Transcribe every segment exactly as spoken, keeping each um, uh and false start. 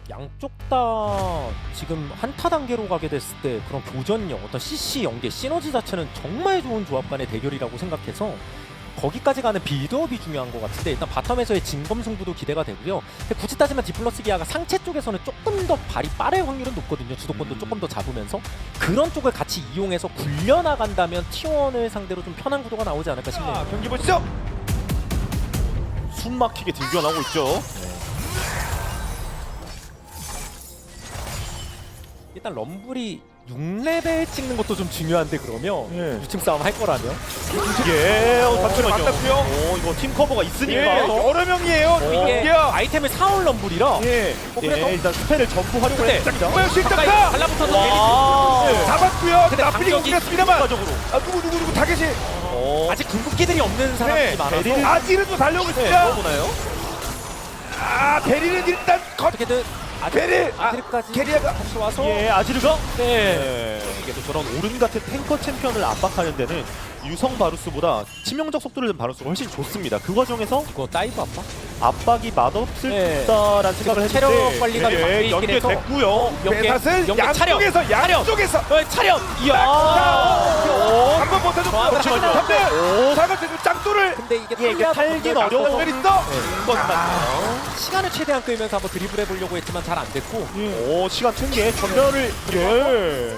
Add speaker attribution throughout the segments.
Speaker 1: 양쪽 다 지금 한타 단계로 가게 됐을 때 그런 교전력, 어떤 씨씨 연계, 시너지 자체는 정말 좋은 조합 간의 대결이라고 생각해서 거기까지 가는 빌드업이 중요한 것 같은데 일단 바텀에서의 진검승부도 기대가 되고요. 근데 굳이 따지면 디플러스 기아가 상체 쪽에서는 조금 더 발이 빠를 확률은 높거든요. 주도권도
Speaker 2: 음.
Speaker 1: 조금 더 잡으면서 그런 쪽을 같이 이용해서 굴려나간다면 티원을 상대로 좀 편한 구도가 나오지 않을까 싶네요.
Speaker 2: 자, 경기 보시죠. 숨 막히게 들겨나오고 있죠.
Speaker 1: 일단 럼블이 육 레벨 찍는 것도 좀 중요한데 그러면
Speaker 2: 예.
Speaker 1: 유충 싸움 할 거라면
Speaker 2: 예, 어, 잠시만요.
Speaker 3: 맞았고요.
Speaker 2: 오, 이거 팀 커버가
Speaker 3: 예,
Speaker 2: 있으니까.
Speaker 3: 여러 명이에요.
Speaker 1: 이게
Speaker 3: 이게
Speaker 1: 아이템을 사올 럼블이라
Speaker 2: 예,
Speaker 1: 어, 그래도-
Speaker 2: 예, 일단 스펠을 전부 활용을
Speaker 1: 근데
Speaker 2: 했습니다.
Speaker 3: 뭐야
Speaker 1: 가까이
Speaker 3: 실적다.
Speaker 1: 달라붙어서
Speaker 2: 와.
Speaker 1: 데미지
Speaker 3: 잡았고요.
Speaker 1: 근데
Speaker 3: 나쁘게
Speaker 1: 반격이
Speaker 3: 공격했습니다만.
Speaker 2: 추가적으로.
Speaker 3: 아 누구 누구 누구 타겟이.
Speaker 2: 어,
Speaker 1: 아직 궁극기들이 없는 사람들이
Speaker 3: 네,
Speaker 1: 많아서
Speaker 2: 베릴-
Speaker 3: 아지르도 달려오고
Speaker 2: 네,
Speaker 3: 있습니다.
Speaker 2: 넣어보나요?
Speaker 3: 아 베리는 일단 컷.
Speaker 1: 어떻게든
Speaker 3: 베릴. 아
Speaker 1: 아드까지
Speaker 3: 캐리아가
Speaker 1: 다시 와서
Speaker 2: 예, 아지르가?
Speaker 1: 네.
Speaker 2: 네. 이게 또 저런 오른 같은 탱커 챔피언을 압박하는 데는 유성 바루스보다 치명적 속도를 낸 바루스가 훨씬 좋습니다. 그 과정에서
Speaker 1: 이거 다이브 아빠?
Speaker 2: 압박이 맛없을
Speaker 1: 네.
Speaker 2: 거다라는 생각을
Speaker 1: 체력
Speaker 2: 했는데
Speaker 1: 관리가 좀
Speaker 2: 예,
Speaker 1: 있긴 해서.
Speaker 2: 연계됐고요.
Speaker 1: 연계,
Speaker 3: 배샷을
Speaker 1: 연계 차력!
Speaker 3: 양쪽에서 양쪽에서
Speaker 1: 어, 차력! 이야!
Speaker 3: 한번 못해줬고
Speaker 1: 조합을
Speaker 3: 잠시만요.
Speaker 1: 하나.
Speaker 3: 삼대
Speaker 1: 오.
Speaker 3: 잘못해서 짱돌을.
Speaker 1: 근데 이게
Speaker 2: 예, 이게 탈긴 어려워.
Speaker 3: 벨 있어.
Speaker 2: 것 같아요.
Speaker 1: 시간을 최대한 끌면서 한번 드리블 해보려고 했지만 잘 안 됐고
Speaker 2: 오, 시간 튼게 전멸을 예.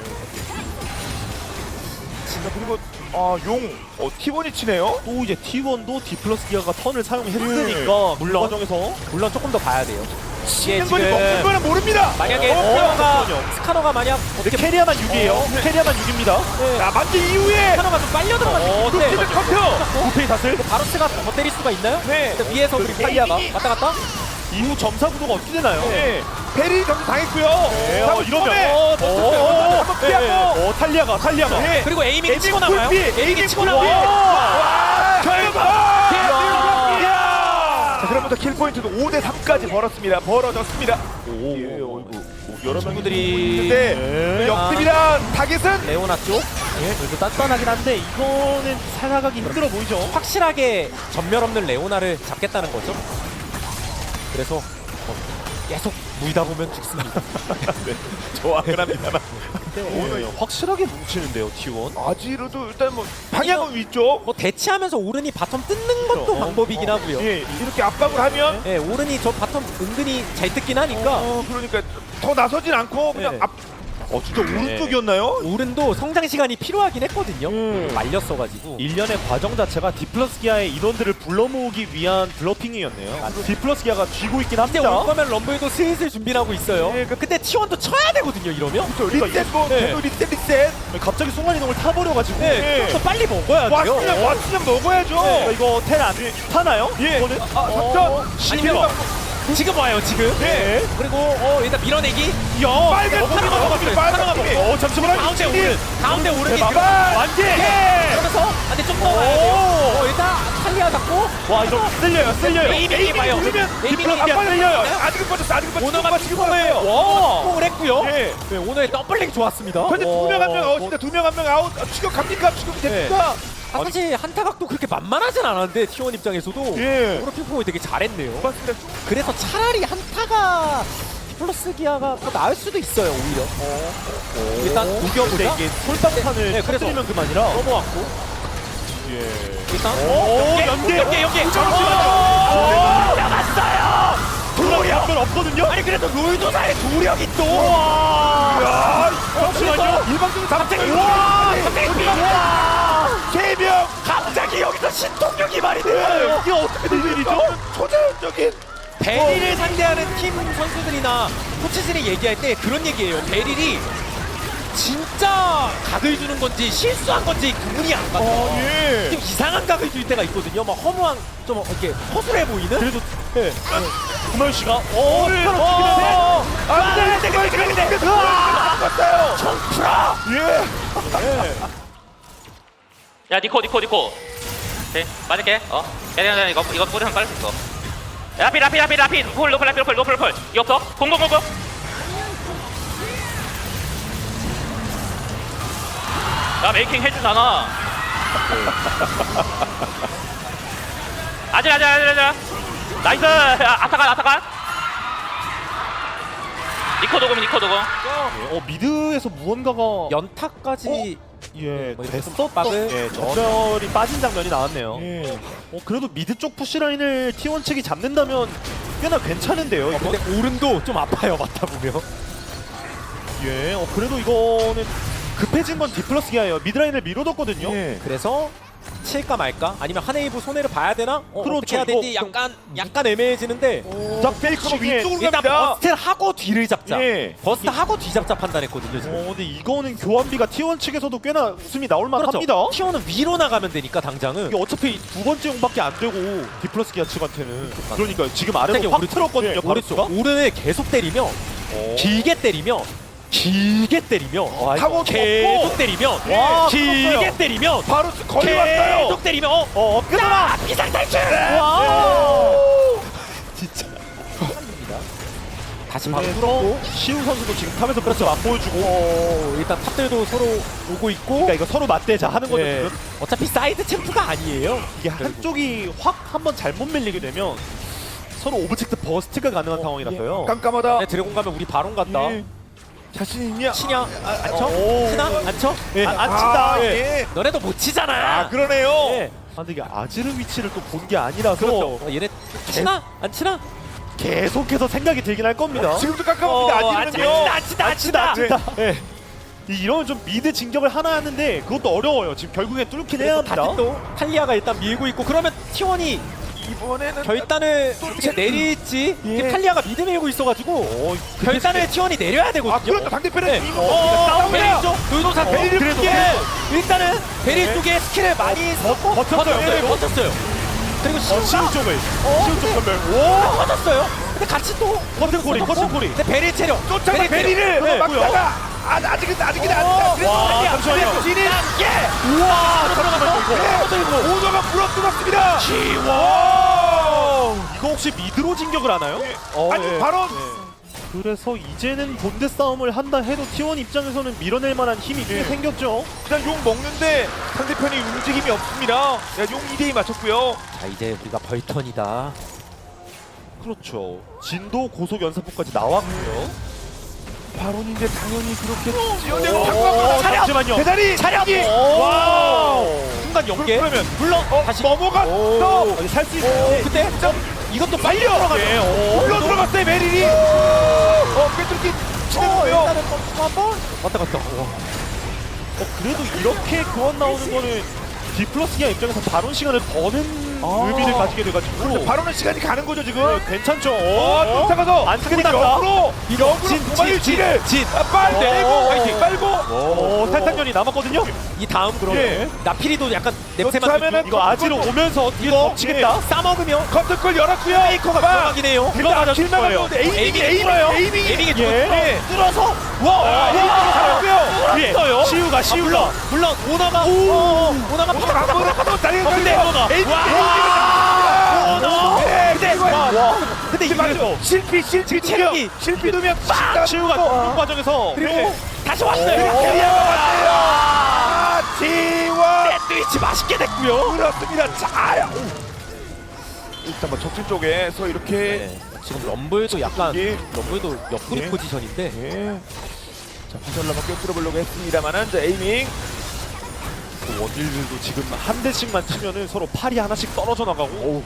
Speaker 3: 자, 그리고 아용 어, 티원이 치네요.
Speaker 2: 또 이제 티원도 디플러스 기아가 턴을 사용했으니까
Speaker 1: 예. 물론.
Speaker 2: 그 과정에서
Speaker 1: 물론 조금 더 봐야 돼요. 이게
Speaker 3: 치는 거니 먹는 거는 모릅니다.
Speaker 1: 만약에
Speaker 2: 어,
Speaker 1: 스카너가
Speaker 2: 잠깐만요.
Speaker 1: 스카너가 만약 어떻게
Speaker 2: 캐리아만 육 이에요.
Speaker 1: 어, 네.
Speaker 2: 캐리아만 육 입니다.
Speaker 3: 자 만지 이후에
Speaker 1: 스카너가 좀 빨려 들어갔을
Speaker 2: 어,
Speaker 1: 때
Speaker 3: 루키드 커트.
Speaker 2: 구페이 닷을
Speaker 1: 바로스가 더 때릴 수가 있나요?
Speaker 3: 네.
Speaker 1: 근데 위에서 그리고 탈리아가 왔다 갔다?
Speaker 2: 이후 점사 구도가 어떻게 되나요?
Speaker 3: 네. 베리 점수 당했고요.
Speaker 2: 네, 어, 이러면
Speaker 3: 어,
Speaker 2: 어, 어,
Speaker 3: 한번 피하고.
Speaker 2: 어, 탈리아가 탈리아가
Speaker 3: 네.
Speaker 1: 그리고 에이밍
Speaker 3: 에이밍
Speaker 1: 치고 나와요?
Speaker 3: 굴비,
Speaker 1: 에이밍
Speaker 3: 에이밍
Speaker 1: 치고
Speaker 3: 굴비.
Speaker 1: 나와요?
Speaker 3: 와, 결과.
Speaker 1: 이야.
Speaker 3: 자, 그러면서 킬 포인트도 오 대 삼까지 벌었습니다. 벌어졌습니다.
Speaker 2: 오,
Speaker 3: 예,
Speaker 2: 오,
Speaker 3: 어이구.
Speaker 2: 오, 여러
Speaker 1: 친구들이
Speaker 3: 근데
Speaker 2: 네.
Speaker 3: 역습이란 타겟은
Speaker 1: 레오나 쪽
Speaker 2: 예, 그래도 단단하긴 한데 이거는 살아가기 힘들어 보이죠.
Speaker 1: 확실하게 전멸 없는 레오나를 잡겠다는 거죠. 그래서 어, 계속 물다 보면 죽습니다.
Speaker 3: 좋아하긴 합니다만.
Speaker 2: 오늘 확실하게 뭉치는데요, 티원.
Speaker 3: 아지르도 일단 뭐 방향은 위쪽.
Speaker 1: 뭐 대치하면서 오른이 바텀 뜯는 것도
Speaker 2: 어,
Speaker 1: 방법이긴 하고요.
Speaker 3: 예, 이렇게 압박을 하면
Speaker 1: 예, 오른이 저 바텀 은근히 잘 뜯긴 하니까
Speaker 3: 어, 그러니까 더 나서진 않고 그냥
Speaker 1: 네.
Speaker 3: 앞. 어 진짜 오른쪽이었나요?
Speaker 1: 오른도 성장 시간이 필요하긴 했거든요.
Speaker 2: 음.
Speaker 1: 말렸어가지고.
Speaker 2: 일련의 과정 자체가 디플러스 기아의 인원들을 불러 모으기 위한 블러핑이었네요. 디플러스 기아가 쥐고 있긴
Speaker 1: 근데 올
Speaker 2: 합니다.
Speaker 1: 거면 럼블도 슬슬 준비를 하고 있어요.
Speaker 3: 예, 그-
Speaker 1: 근데 티원도 쳐야 되거든요, 이러면.
Speaker 3: 리셋 뭐
Speaker 1: 네.
Speaker 3: 계속 리셋 리셋.
Speaker 2: 갑자기 순간 이동을 타버려가지고
Speaker 1: 네, 좀 더 빨리 먹어야 돼요.
Speaker 3: 왔으면 왔으면 먹어야죠.
Speaker 2: 네, 이거 텔 안 타나요?
Speaker 3: 예.
Speaker 2: 이거는?
Speaker 3: 아,
Speaker 2: 어,
Speaker 3: 작전.
Speaker 1: 아니면 지금 와요, 지금.
Speaker 2: 네.
Speaker 1: 그리고 어, 일단 밀어내기.
Speaker 2: 야,
Speaker 3: 빨간
Speaker 2: 먹어,
Speaker 3: 파라가
Speaker 2: 먹어,
Speaker 3: 먹었어요.
Speaker 2: 먹어.
Speaker 3: 빨간
Speaker 2: 먹어.
Speaker 3: 팀이.
Speaker 2: 어, 잠시만요.
Speaker 1: 가운데 오른, 가운데 오른이
Speaker 2: 대박.
Speaker 1: 들어.
Speaker 2: 완전.
Speaker 1: 예. 그러면서 안돼 좀 더 와야 돼요.
Speaker 2: 오.
Speaker 1: 어, 일단 탈리아 잡고
Speaker 2: 와, 이거 쓸려요, 쓸려요.
Speaker 1: 에이밍이 봐요.
Speaker 3: 누르면
Speaker 1: 에이밍이
Speaker 2: 디플러스 기아
Speaker 1: 봐요.
Speaker 2: 쓸려요.
Speaker 3: 아직은 빠졌어. 아직은 빠졌어.
Speaker 1: 오너가
Speaker 3: 지금 빠졌어요.
Speaker 1: 와, 공을 했고요.
Speaker 3: 예.
Speaker 1: 네, 오늘 더블링 좋았습니다.
Speaker 3: 근데 두 명 한 명 아웃.
Speaker 1: 어,
Speaker 3: 진짜 두 명 한 명 아웃. 아, 추격 갑니까? 추격이 됩니까?
Speaker 1: 아, 사실 한타각도 그렇게 만만하진 않았는데 티원 입장에서도
Speaker 3: 예.
Speaker 1: 오로 핑퐁이 되게 잘했네요.
Speaker 3: 맞습니다.
Speaker 1: 그래서 차라리 한타가 디플러스 기아가 더 나을 수도 있어요, 오히려. 일단
Speaker 2: 근데
Speaker 1: 우겨보자.
Speaker 2: 이게 솔방탄을
Speaker 1: 네, 그래서
Speaker 2: 터뜨리면 그만이라.
Speaker 1: 넘어왔고
Speaker 2: 예.
Speaker 1: 일단
Speaker 2: 오,
Speaker 1: 연계 연계 연계.
Speaker 2: 나갔어요. 돌이 한번 없거든요.
Speaker 1: 아니 그래도 롤도사의 도력이 또.
Speaker 3: 야,
Speaker 2: 잠시만요.
Speaker 3: 일방적으로
Speaker 1: 갑자기
Speaker 3: 와,
Speaker 1: 와, 갑자기 와,
Speaker 3: 세 명.
Speaker 1: 갑자기 여기서 신통력이 말이 돼요.
Speaker 2: 이게 어떻게 된 일이죠?
Speaker 3: 초자연적인.
Speaker 1: 베릴을 상대하는 팀 선수들이나 코치진이 얘기할 때 그런 얘기예요. 베릴이 진짜 각을 주는 건지 실수한 건지 구분이 안 가요.
Speaker 3: 어, 예.
Speaker 1: 좀 이상한 각을 줄 때가 있거든요. 막 허무한 좀 이렇게 허술해 보이는.
Speaker 2: 그래도 예. 구면 씨가 어,
Speaker 1: 오를
Speaker 2: 어,
Speaker 3: 안 돼, 돼, 돼, 돼, 돼, 돼. 갔어요.
Speaker 1: 청프라.
Speaker 3: 예.
Speaker 4: 야 니코 니코 니코 오케이 맞을게 어 야야야 이거 이거 뿌리면 빨리 수 있어 라피 라피 라피 라피 노플 노플 라피 노플 노플 노플 이거 없어 공공공공 야 메이킹 해주잖아 아질 아질 아질 아질 나이스 야, 아타간 아타간 니코 도금 니코 도금.
Speaker 2: 어 미드에서 무언가가
Speaker 1: 연타까지
Speaker 2: 예
Speaker 1: 뭐 이렇게
Speaker 2: 됐었던
Speaker 1: 박을?
Speaker 2: 예 전멸이 빠진 장면이 나왔네요.
Speaker 3: 예.
Speaker 2: 어 그래도 미드 쪽 푸시 라인을 티 원 측이 잡는다면 꽤나 괜찮은데요. 이거?
Speaker 1: 근데 오른도 좀 아파요 맞다 보면.
Speaker 2: 예. 어 그래도 이거는 급해진 건 디플러스 기아예요. 미드 라인을 밀어뒀거든요.
Speaker 3: 예.
Speaker 1: 그래서 칠까 말까? 아니면 하네이브 손해를 봐야 되나? 어,
Speaker 2: 그렇죠.
Speaker 1: 어떻게 해야 되지?
Speaker 2: 이거
Speaker 1: 약간 약간 애매해지는데
Speaker 3: 자, 페이커가 위쪽으로
Speaker 1: 일단
Speaker 3: 갑니다.
Speaker 1: 버스트를 하고 뒤를 잡자.
Speaker 3: 예.
Speaker 1: 버스트 하고 뒤잡자 판단했거든요 지금.
Speaker 2: 어 근데 이거는 교환비가 티 원 측에서도 꽤나 웃음이 나올
Speaker 1: 그렇죠.
Speaker 2: 만합니다.
Speaker 1: 티어는 위로 나가면 되니까 당장은.
Speaker 2: 이게 어차피 두 번째 용밖에 안 되고 디플러스 기아 측한테는 그러니까 지금 아래로
Speaker 1: 갑자기
Speaker 2: 확
Speaker 1: 오른쪽,
Speaker 2: 틀었거든요.
Speaker 1: 예, 오른쪽
Speaker 2: 바루스가.
Speaker 1: 오른을 계속 때리며
Speaker 2: 어.
Speaker 1: 길게 때리며 길게 때리며
Speaker 2: 와,
Speaker 3: 타고
Speaker 1: 계속
Speaker 3: 덮고.
Speaker 1: 때리면
Speaker 2: 와,
Speaker 1: 길게
Speaker 2: 컸어요.
Speaker 1: 때리면
Speaker 3: 바로 거의 왔어요.
Speaker 1: 계속 때리면 어,
Speaker 2: 어 엎겨져라.
Speaker 1: 비상 탈출!
Speaker 2: 네.
Speaker 1: 와 진짜 다시 바로
Speaker 2: 그래서
Speaker 1: 뚫었고
Speaker 2: 시우 선수도 지금 탑에서 그렇죠 맛보여주고
Speaker 1: 어, 일단 탑들도 서로 오고 있고
Speaker 2: 그러니까 이거 서로 맞대자 하는 거죠.
Speaker 1: 예.
Speaker 2: 지금.
Speaker 1: 어차피 사이드 챔프가 아니에요.
Speaker 2: 이게 한쪽이 확 한번 잘못 밀리게 되면 서로 오브젝트 버스트가 가능한 상황이라서요.
Speaker 3: 깜깜하다.
Speaker 1: 네, 드래곤 가면 우리 바론 간다.
Speaker 2: 예.
Speaker 3: 자신 있냐?
Speaker 1: 치냐? 안 쳐?
Speaker 2: 오.
Speaker 1: 치나? 안 쳐?
Speaker 2: 예,
Speaker 1: 안,
Speaker 2: 안
Speaker 1: 안
Speaker 2: 친다.
Speaker 3: 아,
Speaker 2: 예.
Speaker 3: 예.
Speaker 1: 너네도 못 치잖아.
Speaker 3: 아, 그러네요.
Speaker 1: 예.
Speaker 2: 아, 근데 이게 아지르 위치를 또 본 게 아니라서
Speaker 1: 그렇죠. 어, 얘네 치나? 안 치나?
Speaker 2: 계속해서 생각이 들긴 할 겁니다.
Speaker 3: 지금도 깜깜합니다.
Speaker 1: 어, 안
Speaker 3: 아직은요.
Speaker 1: 치다, 안 치다, 안 치다.
Speaker 2: 진짜. 예. 이- 이러면 좀 미드 진격을 하나 하는데 그것도 어려워요. 지금 결국에 뚫긴 해야 합니다.
Speaker 1: 다시 또 탈리아가 일단 밀고 있고 그러면 티원이
Speaker 3: 이번에는
Speaker 1: 결단을 어떻게 내릴지
Speaker 3: 예.
Speaker 1: 이게 탈리아가 미드 밀고 있어가지고
Speaker 2: 어,
Speaker 1: 결단을 티원이 내려야 되거든요.
Speaker 3: 아, 그렇죠. 상대편은
Speaker 1: 네.
Speaker 3: 이거
Speaker 1: 어,
Speaker 3: 싸움이야.
Speaker 1: 베리 쪽 의도사 베리
Speaker 3: 그래도.
Speaker 1: 쪽에 일단은 베리
Speaker 2: 네.
Speaker 1: 쪽에 스킬을 많이 썼고
Speaker 2: 버텼어요. 네.
Speaker 1: 버텼어요. 그리고
Speaker 2: 어,
Speaker 1: 시우가
Speaker 2: 시우 쪽을
Speaker 1: 어,
Speaker 2: 시우 쪽 전멸.
Speaker 1: 오 터졌어요. 근데 같이 또
Speaker 2: 커튼콜이, 커튼콜이.
Speaker 1: 근데 베리 체력
Speaker 3: 쫓아가
Speaker 1: 베리 체력.
Speaker 3: 베리를
Speaker 2: 네.
Speaker 3: 막다가 아, 아직은 아직은
Speaker 1: 어.
Speaker 3: 아직은
Speaker 2: 와,
Speaker 3: 아직은
Speaker 2: 잠시만요.
Speaker 3: 진입
Speaker 1: 예. 우와 들어갔어.
Speaker 3: 그리고 오너가 물어뜯었습니다.
Speaker 2: 와! 이거 혹시 미드로 진격을 하나요? 어,
Speaker 3: 아니
Speaker 2: 예.
Speaker 3: 바로
Speaker 2: 그래서 이제는 본대 싸움을 한다 해도 티 원 입장에서는 밀어낼 만한 힘이 꽤
Speaker 3: 예.
Speaker 2: 생겼죠.
Speaker 3: 그냥 용 먹는데 상대편이 움직임이 없습니다. 야, 용 이 대 이 맞췄고요.
Speaker 1: 자 이제 우리가 벌턴이다.
Speaker 2: 그렇죠. 진도 고속 연사포까지 나왔고요.
Speaker 3: 바론인데 당연히 그렇게
Speaker 2: 어,
Speaker 3: 지어내고
Speaker 2: 어,
Speaker 3: 당구하고
Speaker 2: 잠시만요.
Speaker 3: 대단히
Speaker 1: 차렷!
Speaker 3: 이게-
Speaker 1: 오.
Speaker 3: 와우.
Speaker 1: 순간 연계.
Speaker 3: 그러면
Speaker 1: 물론
Speaker 3: 어,
Speaker 1: 다시
Speaker 3: 넘어갔어.
Speaker 2: 살수
Speaker 1: 오,
Speaker 2: 있어요.
Speaker 1: 그때 어, 이것도 빨리 들어가죠.
Speaker 2: 예, 어.
Speaker 3: 물러 들어갔어요 메릴이. 어 꿰뚫기
Speaker 1: 어,
Speaker 3: 치는데요.
Speaker 1: 일단은 또 한번 왔다 갔다. 와.
Speaker 2: 어, 그래도 이렇게 교환 나오는 거는 디플러스 기아 입장에서 바론 시간을 버는
Speaker 3: 아.
Speaker 2: 의미를 가지게 돼가지고
Speaker 3: 바론은 시간이 가는 거죠 지금.
Speaker 2: 네, 괜찮죠.
Speaker 3: 어,
Speaker 2: 어?
Speaker 3: 쫓아가서
Speaker 2: 안
Speaker 3: 근데
Speaker 2: 끝났다.
Speaker 3: 역으로 역으로
Speaker 1: 진,
Speaker 3: 도마를
Speaker 1: 진,
Speaker 3: 뒤를
Speaker 1: 진.
Speaker 3: 아, 빨고
Speaker 1: 어,
Speaker 3: 파이팅 빨고.
Speaker 2: 어, 탈탄전이 남았거든요.
Speaker 1: 이 다음 그러면
Speaker 3: 예.
Speaker 1: 나피리도 약간 냄새
Speaker 3: 쫓아면은
Speaker 1: 맡는
Speaker 2: 이거 아지로 오면서 뒤에
Speaker 3: 이거,
Speaker 2: 덮치겠다.
Speaker 1: 싸먹으면
Speaker 3: 커튼콜 열었고요.
Speaker 1: 페이커가 들어가긴 해요.
Speaker 2: 들어가자
Speaker 3: 길만
Speaker 2: 싶어요.
Speaker 3: 가는데 에이밍이
Speaker 1: 에이밍이
Speaker 3: 에이밍이
Speaker 1: 뚫어요.
Speaker 3: 에이밍이
Speaker 1: 에이밍이
Speaker 2: 예.
Speaker 1: 뚫어서
Speaker 3: 와
Speaker 1: 와,
Speaker 3: 에이밍이
Speaker 1: 와.
Speaker 3: 살았고요.
Speaker 2: 예.
Speaker 1: 뚫었어요.
Speaker 2: 시우가
Speaker 1: 아,
Speaker 2: 시우가
Speaker 1: 물론 물론 오나가 어, 오나가
Speaker 3: 한번 한번 달리는
Speaker 1: 근데
Speaker 3: 거예요. 에이밍이
Speaker 1: 와.
Speaker 3: 에이밍이 네,
Speaker 1: 근데
Speaker 3: 와.
Speaker 1: 근데 이게
Speaker 2: 맞죠?
Speaker 3: 실패 실패
Speaker 1: 체력이
Speaker 3: 두명 실패 두명
Speaker 2: 시우가 뚫는 과정에서
Speaker 1: 그리고
Speaker 2: 네.
Speaker 1: 다시 왔어요.
Speaker 3: 캐리어가 왔네요. 아, 티원
Speaker 1: 샌드위치 맛있게 됐고요.
Speaker 3: 그렇습니다. 자, 일단 뭐 적진 쪽에서 이렇게
Speaker 1: 네, 지금 럼블도 약간
Speaker 3: 예.
Speaker 1: 럼블도 옆구리
Speaker 3: 예.
Speaker 1: 포지션인데
Speaker 3: 예. 자, 부설라만 꿰뚫어 보려고 했습니다만은 자, 에이밍
Speaker 2: 그 원딜들도 지금 한 대씩만 치면은 서로 팔이 하나씩 떨어져 나가고.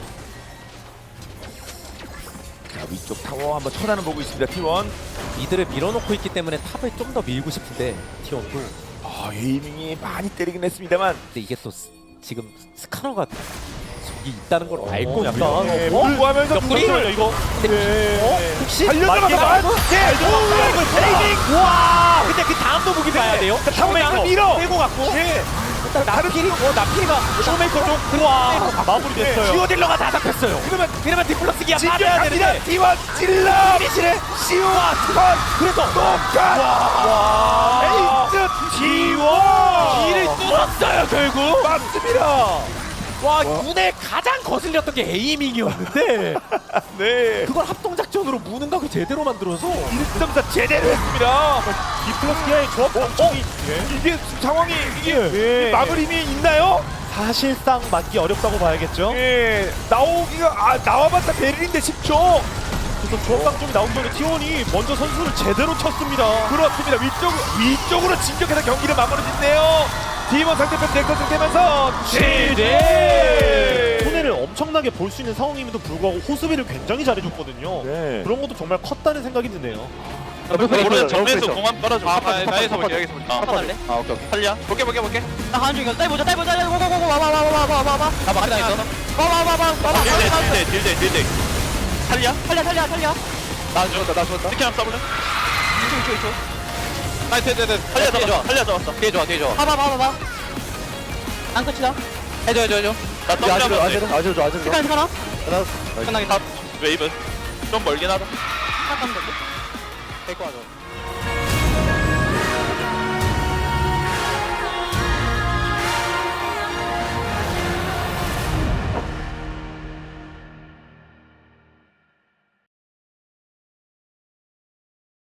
Speaker 3: 자, 위쪽 타워 한번 쳐다는 보고 있습니다. 티원.
Speaker 1: 미드를 밀어놓고 있기 때문에 탑을 좀 더 밀고 싶은데 티원도
Speaker 3: 아, 에이밍이 많이 때리긴 했습니다만
Speaker 1: 근데 이게 또 스, 지금 스카너가 저기 있다는 걸 알고
Speaker 2: 약간,
Speaker 1: 있다.
Speaker 3: 예,
Speaker 1: 어?
Speaker 3: 불구하면서
Speaker 1: 옆구리?
Speaker 2: 잠시만요 이거.
Speaker 1: 근데 어? 혹시
Speaker 3: 달려들어가
Speaker 1: 맞게
Speaker 3: 봐. 예, 에이밍.
Speaker 1: 와 근데 그 다음도 무기 봐야 돼요.
Speaker 3: 타워메이커 밀어.
Speaker 1: 빼고 갔고
Speaker 3: 예.
Speaker 1: 일단 나피리 어 나피리가 쇼메이커 쪽 와
Speaker 2: 마무리됐어요.
Speaker 1: 듀오딜러가 다 잡혔어요.
Speaker 3: 그러면
Speaker 1: 그러면 디플러스 기아 빠져야
Speaker 3: 진격합니다.
Speaker 1: 되는데
Speaker 3: 티원 찔러.
Speaker 1: 피니시를
Speaker 3: 시우와 턴.
Speaker 1: 그래서
Speaker 3: 똑같. 와. 에이스 티원.
Speaker 1: 길을 뚫었어요 결국.
Speaker 3: 맞습니다.
Speaker 1: 와 눈에 가장 거슬렸던 게 에이밍이었는데
Speaker 3: 네.
Speaker 1: 그걸 합동작전으로 무는 각을 제대로 만들어서
Speaker 3: 일 점 사 제대로 했습니다.
Speaker 2: 디플러스 기아의 조합 방식이
Speaker 3: 이게 상황이 이게
Speaker 2: 예.
Speaker 3: 막을 힘이 있나요?
Speaker 2: 사실상 맞기 어렵다고 봐야겠죠.
Speaker 3: 예. 나오기가 아 나와봤자 베를린데 십 초.
Speaker 2: 그래서 조합방 좀 나온 전에 티원이 먼저 선수를 제대로 쳤습니다.
Speaker 3: 그렇습니다. 위쪽 위쪽으로 진격해서 경기를 마무리짓네요. 팀원 상대편 넥서스 되면서 시제.
Speaker 2: 손해를 엄청나게 볼 수 있는 상황임에도 불구하고 호수비를 굉장히 잘해줬거든요.
Speaker 3: 네.
Speaker 2: 그런 것도 정말 컸다는 생각이 드네요.
Speaker 5: 모르는 정면에서 공안 빨아줘.
Speaker 3: 아, 아, 나에서 볼게, 여기서 볼게.
Speaker 5: 아, 갈래? 아, 오케이, 오케이. 살려. 볼게, 볼게, 볼게.
Speaker 6: 나 가는 중이야. 딸 보자, 딸 보자. 고고고고 와봐, 와봐, 와봐, 와봐, 와봐.
Speaker 5: 나 막이 당했어.
Speaker 6: 와봐, 와봐, 와봐.
Speaker 5: 딜대, 딜대, 딜대, 딜대. 살려.
Speaker 6: 살려, 살려, 살려.
Speaker 5: 나 죽었다, 나 죽었다. 스킬 한번 써볼래?
Speaker 6: 이쪽, 이쪽, 이쪽.
Speaker 5: 나이스, 됐, 됐. 살려, 잡았어. 살려, 잡았어. 뒤에 좋아, 뒤에 좋아.
Speaker 6: 봐봐, 봐봐, 봐봐. 안 끝이다.
Speaker 5: 해줘, 해줘, 해줘. 나 더블
Speaker 3: 아지르
Speaker 5: 잡았어.
Speaker 3: 아지르 아지르 아지르.
Speaker 6: 시간, 시간.
Speaker 5: 끝나게 다 웨이브. 좀 멀긴 하다.
Speaker 6: 시간 가면 되지.
Speaker 5: 데리고 와줘.